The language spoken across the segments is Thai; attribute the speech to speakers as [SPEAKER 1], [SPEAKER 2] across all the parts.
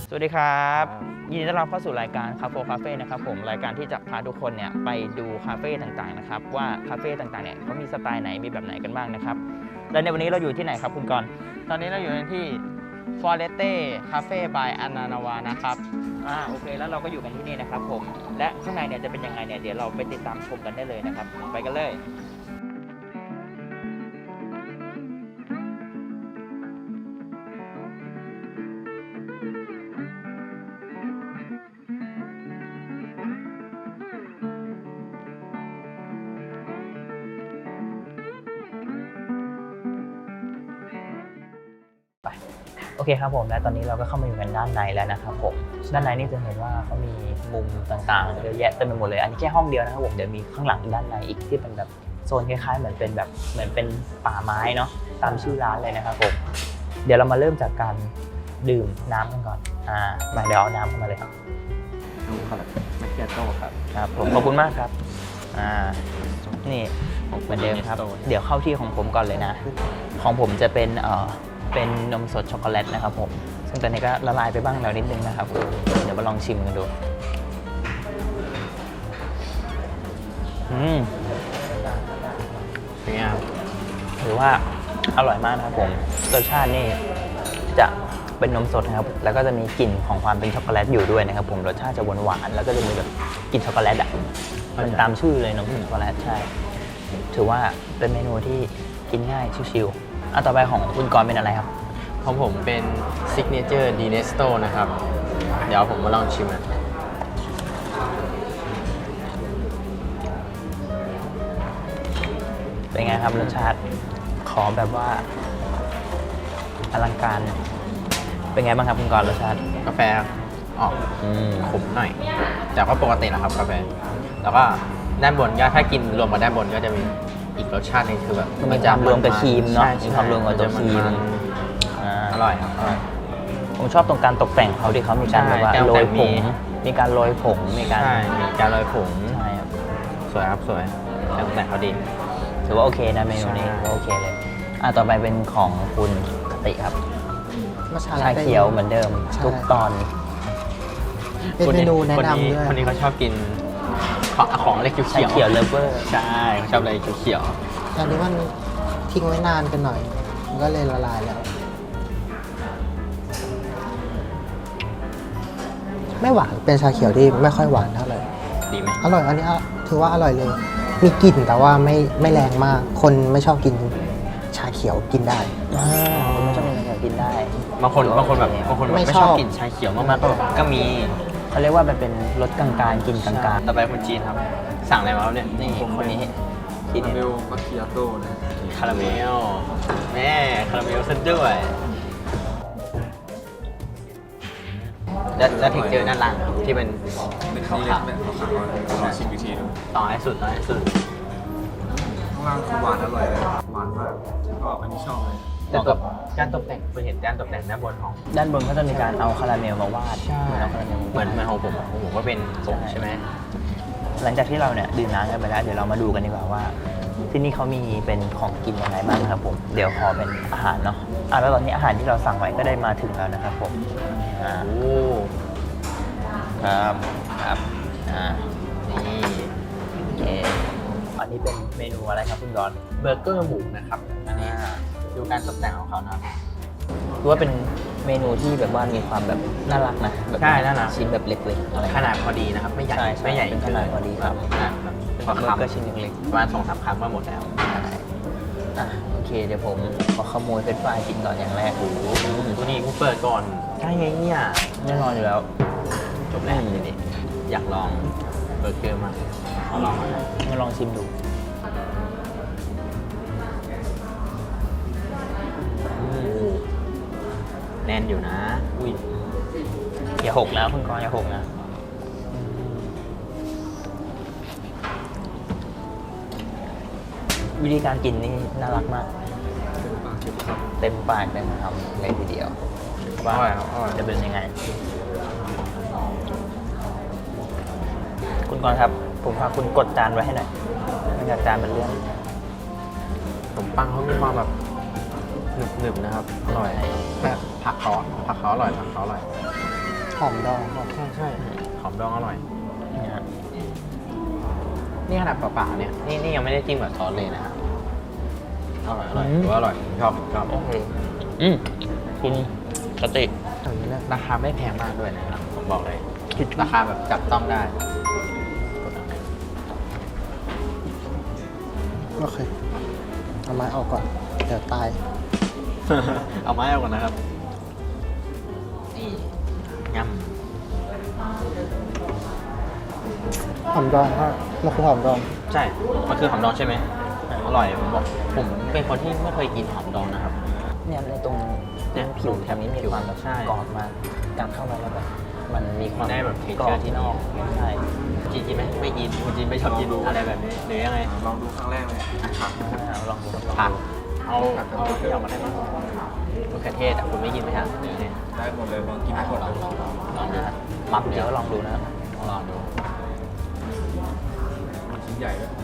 [SPEAKER 1] สวัสดีครับยินดีต้อนรับเข้าสู่รายการคาเฟ่นะครับผมรายการที่จะพาทุกคนเนี่ยไปดูคาเฟ่ต่างๆนะครับว่าคาเฟ่ต่างๆเนี่ยเขามีสไตล์ไหนมีแบบไหนกันบ้างนะครับและในวันนี้เราอยู่ที่ไหนครับคุณกรณ์
[SPEAKER 2] ตอนนี้เราอยู่ที่ Foreste Cafe by Ananava นะครับ
[SPEAKER 1] โอเคแล้วเราก็อยู่กันที่นี่นะครับผมและข้างในเนี่ยจะเป็นยังไงเนี่ยเดี๋ยวเราไปติดตามชมกันได้เลยนะครับไปกันเลยโอเคครับผมและตอนนี้เราก็เข้ามาอยู่กันด้านในแล้วนะครับผมด้านในนี่จะเห็นว่าเขามีมุมต่างๆเยอะแยะเต็มไปหมดเลยอันนี้แค่ห้องเดียวนะครับผมเดี๋ยวมีข้างหลังด้านในอีกที่เป็นแบบโซนคล้ายๆเหมือนเป็นป่าไม้เนาะตามชื่อร้านเลยนะครับผมเดี๋ยวเรามาเริ่มจากการดื่มน้ำกันก่อนมาเดี๋ยวเอาน้ำเข้ามาเลยครับ
[SPEAKER 2] น้ำคาราเมคเคียโต้
[SPEAKER 1] ครับผมขอบคุณมากครับนี่เหมือนเดิมครับเดี๋ยวเข้าที่ของผมก่อนเลยนะของผมจะเป็นนมสดช็อกโกแลตนะครับผมซึ่งตอนนี้ก็ละลายไปบ้างแล้วนิดนึงนะครับเดี๋ยวมาลองชิมกันดู
[SPEAKER 2] เป็นไงครับ
[SPEAKER 1] ถือว่าอร่อยมากนะครับผมรสชาตินี่จะเป็นนมสดนะครับแล้วก็จะมีกลิ่นของความเป็นช็อกโกแลตอยู่ด้วยนะครับผมรสชาติจะหวานๆแล้วก็จะมีแบบกลิ่นช็อกโกแลตมันตามชื่อเลยนมช็อกโกแลตใช่ถือว่าเป็นเมนูที่กินง่ายชิวๆต่อไปของคุณกรณ์เป็นอะไรครับ
[SPEAKER 2] ของผมเป็น Signature Dinesto นะครับเดี๋ยวผมมาลองชิมนะ
[SPEAKER 1] เป็นไงครับรสชาติขอแบบว่าอลังการเป็นไงบ้างครับคุณกรณ์รสชาติ
[SPEAKER 2] กาแฟออกขมหน่อยแต่ก็ปกตินะครับกาแฟแล้วก็ด้านบนก็ถ้ากินรวมกับด้านบนก็จะมีอีกรสชาตินึงคือแบบ
[SPEAKER 1] มันจะรวมกับครีมเนาะมีความรวมกับตัวครีม
[SPEAKER 2] อร่อยครับ
[SPEAKER 1] ผมชอบตรงการตกแต่งเขาที่เขามีการแบบว่าโรยผงมีการโรยผงมีการ
[SPEAKER 2] โรยผง
[SPEAKER 1] ใช่ครับ
[SPEAKER 2] สวยครับสวยตกแต่งเขาดี
[SPEAKER 1] ถือว่าโอเคนะเมนูนี้โอเคเลยต่อไปเป็นของคุณกติครับชาเขียวเหมือนเดิมทุกตอน
[SPEAKER 3] เป็นเมนูแนะนำด้วย
[SPEAKER 2] คนนี้เขาชอบกินของอะไรเขียว
[SPEAKER 1] เขียวเลฟเวอร์
[SPEAKER 2] ใช่ชอบอะไรเขียว
[SPEAKER 3] อันนี้มันทิ้งไว้นานกันหน่อยมันก็เลยละลายแล้วไม่หวานเป็นชาเขียวที่ไม่ค่อยหวานเท่าไหร่
[SPEAKER 2] ดีไหม
[SPEAKER 3] อร่อยอันนี้ถือว่าอร่อยเลยมีกลิ่นแต่ว่าไม่แรงมากคนไม่ชอบกินชาเขียวกินได้
[SPEAKER 1] คนไม่ชอบกินชาเขียวกินได้
[SPEAKER 2] บางคนไม่ชอบกินชาเขียวมากๆก็มี
[SPEAKER 1] เขาเรียกว่ามันเป็นรสกลางๆกินกลาง
[SPEAKER 2] ๆต่อไปคุณจีนครับสั่งอะไรมาครับเนี่ย
[SPEAKER 1] นี่คนนี้
[SPEAKER 4] คาราเมลมัคคิอาโต้นะ
[SPEAKER 2] คาราเมลแม่คาราเมลซะด้วยแล้วถึงเจอด้านล่างที่เป็น
[SPEAKER 4] ขาวๆแบบขาวๆลองชิมอีกทีนึง
[SPEAKER 2] ต่อให้สุด
[SPEAKER 4] ข้างล่างคือหวานอร่อยเลยหวานมากก็อันนี้ชอบเลย
[SPEAKER 2] แต่กับการตกแต่งคุณเห็นการตกแต่งด้านบนของ
[SPEAKER 1] ด้านบนก็จะมีการเอาคาราเมลมาวาด
[SPEAKER 2] เหมือนของผมก็เป็นผงใช่ไหม
[SPEAKER 1] หลังจากที่เราเนี่ยดื่มน้ำกันไปแล้วเดี๋ยวเรามาดูกันดีกว่าว่าที่นี่เขามีเป็นของกินยังไงบ้างครับผมเดี๋ยวขอเป็นอาหารเนาะแล้วตอนนี้อาหารที่เราสั่งไว้ก็ได้มาถึงแล้วนะครับผมครับ
[SPEAKER 2] นี่
[SPEAKER 1] โอเคอันนี้เป็นเมนูอะไรครับคุณกรณ์
[SPEAKER 2] เบอร์เกอร์หมูนะครับอันนี้ดูการตกแต่งของเขานะ
[SPEAKER 1] คือว่าเป็นเมนูที่แบบว่ามีความแบบน่ารักนะ
[SPEAKER 2] ใช่น่ารัก
[SPEAKER 1] ชิ้นแบบเล็กๆอะไร
[SPEAKER 2] ขนาดพอดีนะครับไม่ใหญ่
[SPEAKER 1] เป็นขนาดพอดีครับ
[SPEAKER 2] เป็นเบอร์เกอร์ชิ้นเล็กๆประมาณ 2-3 คำก็หมดแล้ว
[SPEAKER 1] โอเคเดี๋ยวผมขอขโมยเฟรนช์ฟรายกินก่อนอย่างแรก
[SPEAKER 2] ตัวนี้กูเปิดก่อนใช่ไงเนี่ย
[SPEAKER 1] แน่นอนอยู่แล้ว
[SPEAKER 2] จบแล้วนี่อยากลองเบอร์เกอร์มาขอลอง
[SPEAKER 1] มาลองชิมดู
[SPEAKER 2] แน่นอยู่นะอุ้ย
[SPEAKER 1] อย่าหกนะคุณกรณ์อย่าหกนะวิธีการกินนี่น่ารักมากเต็มปากเต็มคำเลยทีเดียวว่าจะเป็นยังไงคุณกรณ์ครับผมพาคุณกดจานไว้ให้หน่อยไม่งั้นจานเป็นเรื่อง
[SPEAKER 2] ขนมปังเขามีความแบบหนึบๆนะครับอร่อยผักเขาอร่อย
[SPEAKER 3] หอมดองครับ
[SPEAKER 2] ใช่หอมดองอร่อย
[SPEAKER 1] นี่ฮะ
[SPEAKER 2] นี่ขนาดเปล่าๆเนี่ยนี่ยังไม่ได้จิ้มกับซอสเลยนะครับอร่อยถือว่าอร่อยชอบ
[SPEAKER 1] โอเคคุณกติ
[SPEAKER 2] ราคาไม่แพงมากด้วยนะครับผมบอกเลยราคาแบบจับต้องได้
[SPEAKER 3] โอเคเอาไม้ออกก่อน เดี๋ยวตาย
[SPEAKER 2] เอาไม้เอาก่อนนะครับนี่ย
[SPEAKER 3] หอมดองครับมันคือหอมดอง
[SPEAKER 2] ำใช่มันคือหอมดองใช่ไหมอร่อยผมบอกผมเป็นคนที่ไม่เคยกินหอมดองนะครับ
[SPEAKER 1] เนี่ยในตรงผิวแถบนี้มีความแบบ
[SPEAKER 2] ใช่
[SPEAKER 1] กรอบมากการเข้ามาแล้วแบบมันมีความ
[SPEAKER 2] ได้แบบ
[SPEAKER 1] กรอบ
[SPEAKER 2] texture ที่
[SPEAKER 1] ที่นอก
[SPEAKER 2] ดี
[SPEAKER 1] ใช่
[SPEAKER 2] กินไหมไม่กินคนจีนไม่ชอบกินอะไรแบบนี้หรือยังไง
[SPEAKER 4] ลองดูครั้งแรกเลยผัก
[SPEAKER 1] ลองดู
[SPEAKER 2] ผักเอาที่ออกมาได้ไหมมะเขือเทศอ่ะคุณไม่กินไหมฮะหรือไง
[SPEAKER 4] ได้หมดเลยลองกินให้หมดเลย
[SPEAKER 2] ลองดูนะ
[SPEAKER 1] มักเดี๋ยวลองดูนะครับ
[SPEAKER 2] ลองดู
[SPEAKER 4] มันชิ้นใหญ่ด้วย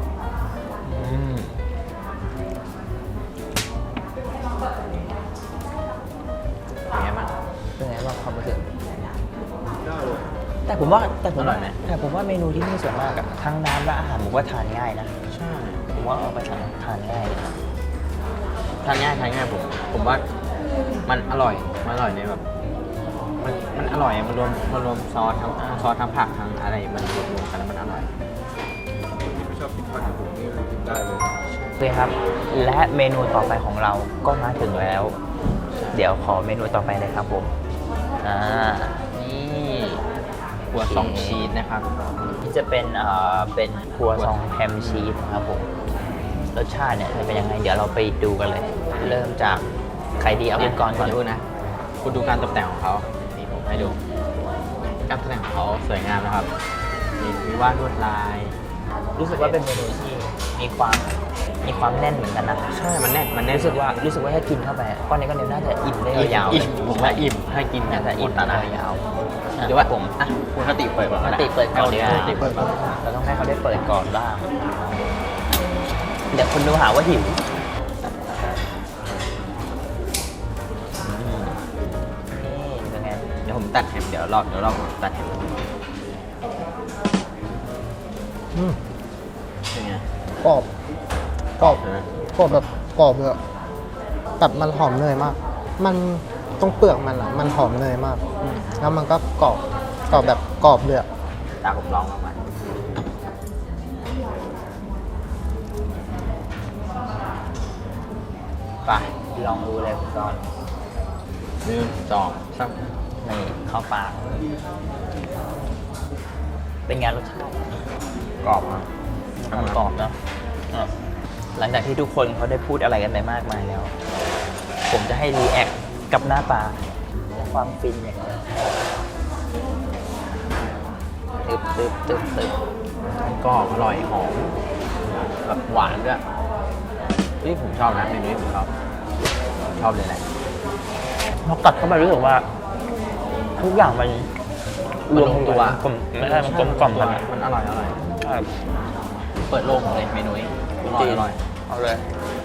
[SPEAKER 2] เป็นไงบ้าง
[SPEAKER 1] เป็นไงบ้างความรู้สึก
[SPEAKER 4] ได้เลย
[SPEAKER 1] แต่ผมว่า
[SPEAKER 2] อร่อยไหม
[SPEAKER 1] แต่ผมว่าเมนูที่นี่ส่วนมากอะทั้งน้ำและอาหารผมว่าทานง่ายนะ
[SPEAKER 2] ใช่
[SPEAKER 1] ผมว่าเอาไปทานง่ายเลย
[SPEAKER 2] ทานง่ายผมว่ามันอร่อยในแบบมันอร่อยมันรวมซอสทั้งผักทั้งอะไรมันรวมกันแล้วมันอร่อย
[SPEAKER 4] คนที่ไม่ชอบกินผักอย่างผมนี่กินได้เลย
[SPEAKER 1] โอเคครับ และเมนูต่อไปของเราก็มาถึงแล้ว เดี๋ยวขอเมนูต่อไปเลยครับผม
[SPEAKER 2] นี่ครัวซองชีสนะครับ
[SPEAKER 1] ที่จะเป็นครัวซองแฮมชีสนะครับผมรสชาติเนี่ยจะเป็นยังไงเดี๋ยวเราไปดูกันเลย เริ่มจากใครดีเอาคุณก่อนก่อน
[SPEAKER 2] ดูนะคุณดูการตกแต่งของเขานี่ผมให้ดูการตกแต่งของเขาสวยงามนะครับมีวาดลวดลาย
[SPEAKER 1] รู้สึกว่าเป็นเมนูที่มีความแน่นเหมือนกันนะ
[SPEAKER 2] ใช่มันแน่น
[SPEAKER 1] รู้สึกว่าถ้ากินเข้าไปก้อนนี้ก็น่าจะอิ่มได้ยาวๆ
[SPEAKER 2] อิ่มผมว่าอิ่มให้กิน
[SPEAKER 1] น่าจะอิ่ม
[SPEAKER 2] ตา
[SPEAKER 1] ได้
[SPEAKER 2] ได้
[SPEAKER 1] ยาว
[SPEAKER 2] หรือว่าผมอ่ะคุณคติเปิดก่อน
[SPEAKER 1] ปกติเปิดก่อนดีกว่า
[SPEAKER 2] คติเปิดก่อน
[SPEAKER 1] เราต้องให้เขาได้เปิดก่อนบ้าง เดี๋ยวคนดูหาว่าหิวนี่เป็นไง
[SPEAKER 2] เดี๋ยวผมตัดแฮมเดี๋ยวรอบตัดแฮม
[SPEAKER 3] อืม
[SPEAKER 2] เป็นไง
[SPEAKER 3] กรอบกรอบ
[SPEAKER 2] ใช่ไหม
[SPEAKER 3] กรอบแบบกรอบเลยอะแบบมันหอมเนยมาก มันตรงเปลือกมันอะมันหอมเนยมาก แล้วมันก็กรอบแบบกรอบเลยอะ
[SPEAKER 2] ตาผมลองมาไป
[SPEAKER 1] ลองดูเลยคุณจอน
[SPEAKER 2] 1 2 3
[SPEAKER 1] นี่เข้าปาก เป็นไงรสชาติ
[SPEAKER 2] กรอบครับ
[SPEAKER 1] มันกรอบเนอะหลังจากที่ทุกคนเขาได้พูดอะไรกันไปมากมายแล้ว ผมจะให้รีแอคกับหน้าตาและความฟินอย่างนี้ตึบ
[SPEAKER 2] กรอบอร่อยหอมแบบหวานด้วยนี่ผมชอบนะเมนูนี้ผมชอบเลยแหละ
[SPEAKER 1] พอกัดเข้าไปรู้สึกว่า ทุกอย่างมัน
[SPEAKER 2] มันลงตัว
[SPEAKER 1] กลมไม่ใช่มันกลมกล่อมกันอะ
[SPEAKER 2] มันอร่อย
[SPEAKER 1] ใช่
[SPEAKER 2] เปิดโลกเลยเมนูนี้อร่อย
[SPEAKER 1] เอาเลย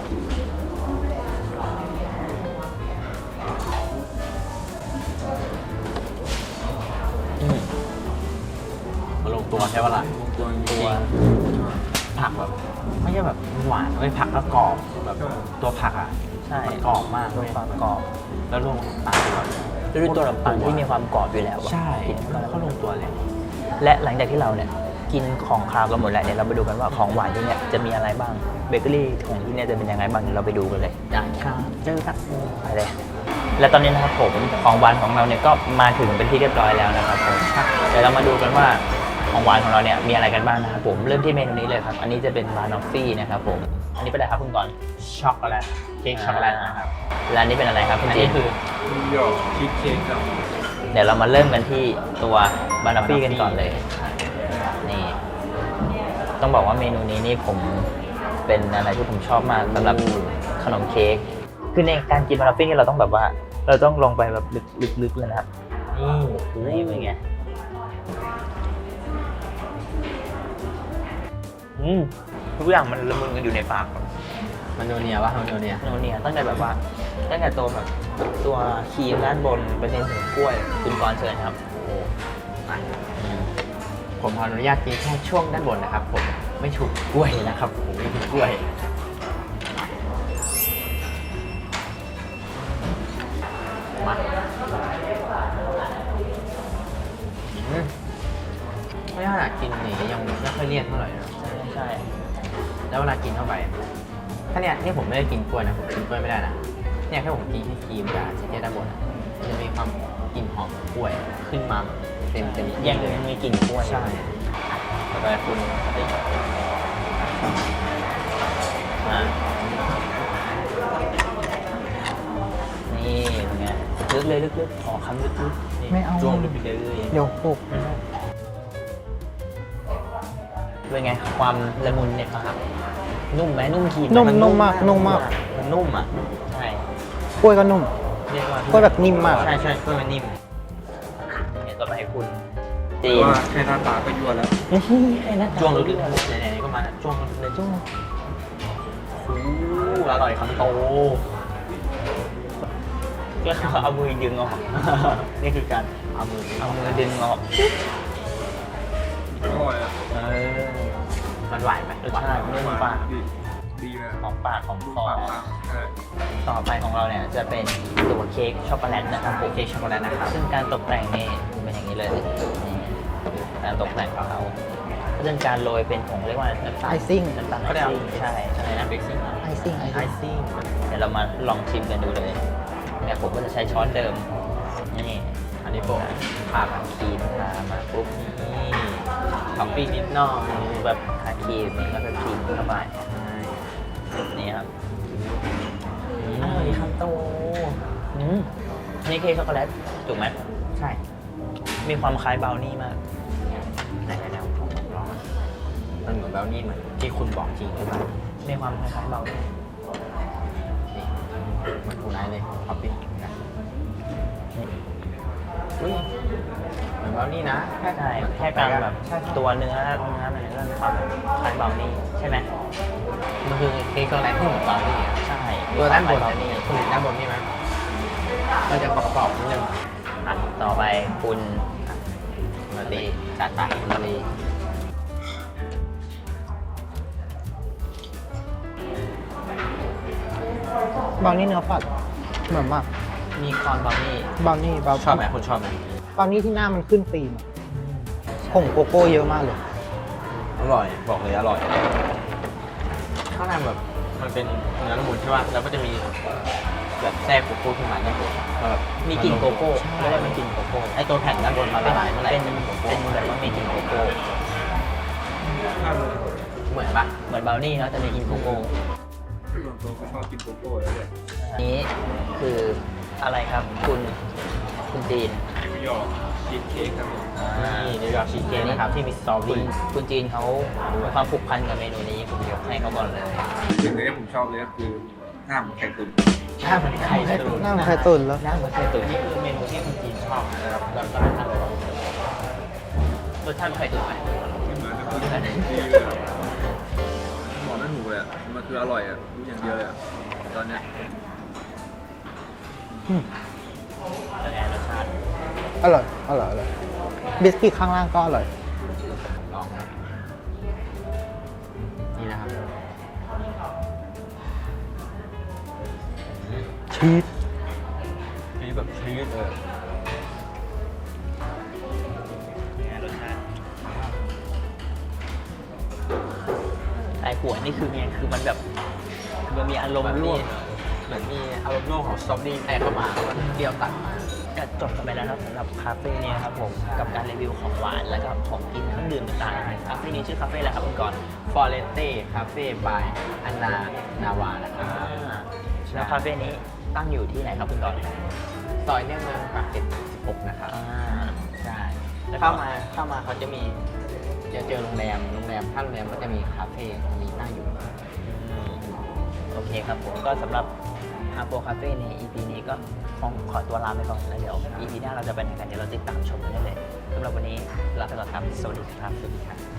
[SPEAKER 2] มันลงตัวใช่ปะล่ะ
[SPEAKER 1] ตัว
[SPEAKER 2] ผักแบบไม่ใช่แบบหวานไม่ผักก็กรอบแบบตัวผักอ่ะ
[SPEAKER 1] ใช่
[SPEAKER 2] มันกรอบมาก
[SPEAKER 1] ตัวความกรอบ
[SPEAKER 2] แล้วรวมกับตาลด้วย
[SPEAKER 1] ด้วยตัวขนมปังที่มีความกรอบอยู่แล้วอะ
[SPEAKER 2] ใช่
[SPEAKER 1] กินเข้าไป
[SPEAKER 2] แล้วก็ลงตัวเลย
[SPEAKER 1] และหลังจากที่เราเนี่ยกินของคาวกันหมดแล้วเดี๋ยวเราไปดูกันว่าของหวานที่เนี่ยจะมีอะไรบ้างเบเกอรี่ของที่เนี่ยจะเป็นยังไงบ้างเดี๋ยวเราไปดูกันเลย
[SPEAKER 2] ได้ครับเจอกัน
[SPEAKER 1] ไปเลย และตอนนี้นะครับผมของหวานของเราเนี่ยก็มาถึงเป็นที่เรียบร้อยแล้วนะครับผมเดี๋ยวเรามาดูกันว่าของหวานของเราเนี่ยมีอะไรกันบ้างนะครับผมเริ่มที่เมนูนี้เลยครับอันนี้จะเป็นบานอฟฟี่นะครับผมอันนี้เป็นอะไรครับคุณกรณ์
[SPEAKER 2] ช็อกโกแลตเค้กช็อกโกแลตนะครับ
[SPEAKER 1] และอันนี้เป็นอะไรครับคุณ
[SPEAKER 2] อัน
[SPEAKER 1] จี
[SPEAKER 2] นี้
[SPEAKER 1] น
[SPEAKER 2] คือ
[SPEAKER 4] นิวยอร์กชีสเค้กครับ
[SPEAKER 1] เดี๋ยวเรามาเริ่มกันที่ตัวบานอฟฟี่กันก่อนเลยนี่ต้องบอกว่าเมนูนี้นี่ผมเป็นอะไรที่ผมชอบมากสำหรับขนมเค้กคือในการกินบานอฟฟี่นี่เราต้องแบบว่าเราต้องลงไปแบบลึกๆเลยนะครับนี่เป็นไงทุกอย่างมันละมุนกันอยู่ในปาก
[SPEAKER 2] มันโนเนียวะมันโนเนีย
[SPEAKER 1] โนเนียตั้งแต่แบบว่าตั้งแต่ตัวแบบตัวครีมด้านบนเป็นถึงกล้วยคุณกรณ์เชิญครับ
[SPEAKER 2] ผมขออนุญาตกินแค่ช่วงด้านบนนะครับ ผมไม่ถูกกล้วยนะครับ ผมไม่ถูกกล้วยมาไม่ขนาดกินนี่ยังไม่ค่อยเลี่ยนเท่าไหร่นะ
[SPEAKER 1] ใช่
[SPEAKER 2] แล้วเวลากินเข้าไปถ้าเนี่ยนี่ผมไม่ได้กินกล้วยนะผมกินกล้วยไม่ได้นะเนี่ยแค่ผมกินแค่ครีมกับเชฟด้านบนอะมันจะมีความกลิ่นหอมของกล้วยขึ้นมาเต็มที่
[SPEAKER 1] ยังมีกลิ่นกล้วย
[SPEAKER 2] ใช่ต่อไปคุณ
[SPEAKER 1] นี่เป็นไงลึกเลยลึกๆขอคำลึกๆนี่
[SPEAKER 3] ไม่เอา
[SPEAKER 1] จ้วงลึกไปเลย
[SPEAKER 3] เดี๋ยวปลุก
[SPEAKER 1] เป็นไงความละมุนเนี่ยครับนุ่มไหมนุ่มครีมไห
[SPEAKER 3] นุ่มมากนุ่มมาก
[SPEAKER 1] มันนุ่มอ่ะใช่
[SPEAKER 3] กล้วยก็นุ่ม
[SPEAKER 1] เรียกว่าก
[SPEAKER 3] ล้วยแบบนิ่มมาก
[SPEAKER 1] ใช่ใช่กล้วยมันนิ่มเนี่ยต่อไปให้คุณจีน
[SPEAKER 4] ว่าแค่หน้าตาก็ยั่วแล้ว
[SPEAKER 1] ไอ้นั่น
[SPEAKER 2] จ้วงลึกๆไหนๆก็มาจ้วงลึกๆ
[SPEAKER 1] จ้วงโอ้อร่อยคำโตก็คือเอามือดึงออก นี่คือการเอามือดึงออก
[SPEAKER 4] อร่อยอ่ะ
[SPEAKER 2] มันหวานไหม
[SPEAKER 1] รสชาตินุ่มปาก
[SPEAKER 4] ดีเลย
[SPEAKER 1] หอมปากหอม
[SPEAKER 4] ดู
[SPEAKER 1] คอ
[SPEAKER 4] ปากมากใช่
[SPEAKER 1] ต่อไปของเราเนี่ยจะเป็นตัวเค้กช็อกโกแลตนะครับผม
[SPEAKER 2] เค้กช็อกโกแลตนะครับ
[SPEAKER 1] ซึ่งการตกแต่งนี่เป็นอย่างนี้เลยนี่การตกแต่งของเขาก็เป็นการโรยเป็นผงเรียกว่าน้ำตาล
[SPEAKER 3] Icing
[SPEAKER 1] น้ำตาลไอซิ่งใช่อะไรนะเบกซิ่ง
[SPEAKER 3] ไอซิ่งไอ
[SPEAKER 1] ไอ
[SPEAKER 3] ซิ่ง
[SPEAKER 1] ซิ่งเดี๋ยวเรามาลองชิมกันดูเลยเนี่ยผมก็จะใช้ช้อนเดิมนี่
[SPEAKER 2] อันนี้โปะ
[SPEAKER 1] ทากับครีมทามาปุ๊บนี่ท็อปปิ้งนิดหน่อยแบบทาครีมนี่แล้วก็ครีมเข้าไปนี่ครับอร่อยครับโตนี่เค้กช็อกโกแลตถูกไหม
[SPEAKER 2] ใช่
[SPEAKER 1] มีความคล้ายบราวนี่มาก
[SPEAKER 2] ไหนๆผมลองมันเหมือนแบลนี่เหมือนที่คุณบอกจริงใช่ไหม
[SPEAKER 1] มีความคล้ายๆบราวนี่
[SPEAKER 2] นี่เหมือนคุณไนท์เลยท็อปปิ้งนะอุ้ยเหมือนแบลนี่นะ
[SPEAKER 1] ใช่แค่การแบบ
[SPEAKER 2] ใช่
[SPEAKER 1] ตัวเนื้อมันก็มีความคล้ายบราวนี่ใช่ไหม
[SPEAKER 2] มันคือเค้กช็อกโกแลตที่เหมือนแบลนี่อะ
[SPEAKER 1] ใช่
[SPEAKER 2] ตัวด้านบน
[SPEAKER 1] บราวนี่
[SPEAKER 2] คุณเห็นด้านบนนี่ไหมมันจะกรอบๆนิดนึง
[SPEAKER 1] อ่ะต่อไปคุณ
[SPEAKER 2] มาตีจัดไปมาตี
[SPEAKER 3] บราวนี่เนื้อผัดเหมือนมาก
[SPEAKER 1] มีคอนบราวนี่
[SPEAKER 3] บราวนี่บราว
[SPEAKER 2] ชอบไหมคุณชอบไหม
[SPEAKER 3] บราวนี่ที่หน้ามันขึ้นฟิล์มอะผงโกโก้เยอะมากเลย
[SPEAKER 2] อร่อยบอกเลยอร่อยข้างในแบบมันเป็นเนื้อละมุนใช่ป่ะแล้วก็จะมีแบบแทรกโกโก้ขึ้นมาด้านบนแบบ
[SPEAKER 1] มีกลิ่นโกโก้เรียกว่ามีกลิ่นโกโก้
[SPEAKER 2] ไอตัวแผ่นด้านบนมาละลายเมื่อไหร่
[SPEAKER 1] เป็น
[SPEAKER 2] จะโกโก้
[SPEAKER 1] เป็นแบบว่ามีกลิ่นโกโก้
[SPEAKER 2] เหมือนปะ
[SPEAKER 1] เหมือนบราวนี่แล้วจะมีกลิ่นโกโก้
[SPEAKER 4] ส่วนตัวก็ชอบกินโกโก้แล้วเลย
[SPEAKER 1] นี้คืออะไรครับคุณจีน
[SPEAKER 4] นิวยอร์กชีสเค้กครับผม
[SPEAKER 2] นี่นิวยอร์กชีสเค้กนะครับที่มีสตรอเบอ
[SPEAKER 1] คุณ
[SPEAKER 2] รี่
[SPEAKER 1] คุณจีนเขามีความผูกพันกับเมนูนี้ผมยกให้เขาก่อนเลย
[SPEAKER 4] สิ่งที่ผมชอบเลยก็คือหน้าเหมือนไข่ตุ๋น
[SPEAKER 2] หน้าเหมือนไข่ตุ๋น
[SPEAKER 3] หน้ามันไข่ตุ๋นแล้ว
[SPEAKER 2] หน้าเหมือนไข่ตุ๋นนี่คือเมนูที่คุณจีนชอบนะครับแล้วก็ทำเลย
[SPEAKER 1] รสชาติไข่ตุ๋นไหม
[SPEAKER 4] ไม่เหมือนกับคนที่ดีเลยอะบอกไม่ถูกเลยอะมันคืออร่อยอ่ะรู้อย่างเดียวเลยอะตอนเนี้ย
[SPEAKER 1] เป็นไงรสชาติ
[SPEAKER 3] อร่อย อร่อย อร่อย บิสกิตข้างล่างก็อร่อย
[SPEAKER 2] ลองครับนี่นะครับ
[SPEAKER 3] ชีส
[SPEAKER 2] นี่แบบชีสเลย
[SPEAKER 1] เป็นไงรสชาติไอ้หัวนี่คือไงคือมันแบบมันมีอารมณ์ร่วม
[SPEAKER 2] เหมือนมีอารมณ์ร่วมของสตรอเบอรี่แทรกเข้ามาแล้วมันเปรี้ยวตัดมา
[SPEAKER 1] ก็จบกันไปแล้วนะครับสำหรับคาเฟ่นี้ครับผมกับการรีวิวของหวานแล้วก็ของกินเครื่องดื่มต่างๆคาเฟ่นี้ชื่อคาเฟ่อะไรครับคุณกรณ์
[SPEAKER 2] ฟอเรสเต้คาเฟ่บายอันนานาวานะครับ
[SPEAKER 1] แล้วคาเฟ่นี้ตั้งอยู่ที่ไหนครับคุณกรณ์
[SPEAKER 2] ซอยเลี่ยงเมืองปากเกร็ด16นะครับ
[SPEAKER 1] ใช่แล้ว
[SPEAKER 2] เข้ามาเขาจะมีจะเจอโรงแรมถ้าโรงแรมก็จะมีคาเฟ่มีตั้งอยู่
[SPEAKER 1] โอเคครับผมก็สำหรับฮาโปคาเฟ่ใน EP นี้ก็ขอตัวลาไปก่อนแล้วเดี๋ยว EP หน้าเราจะไปไหนกันเดี๋ยวเราติดตามชมกันได้เลยสำหรับวันนี้ลาไปก่อนครับสวัสดีครับ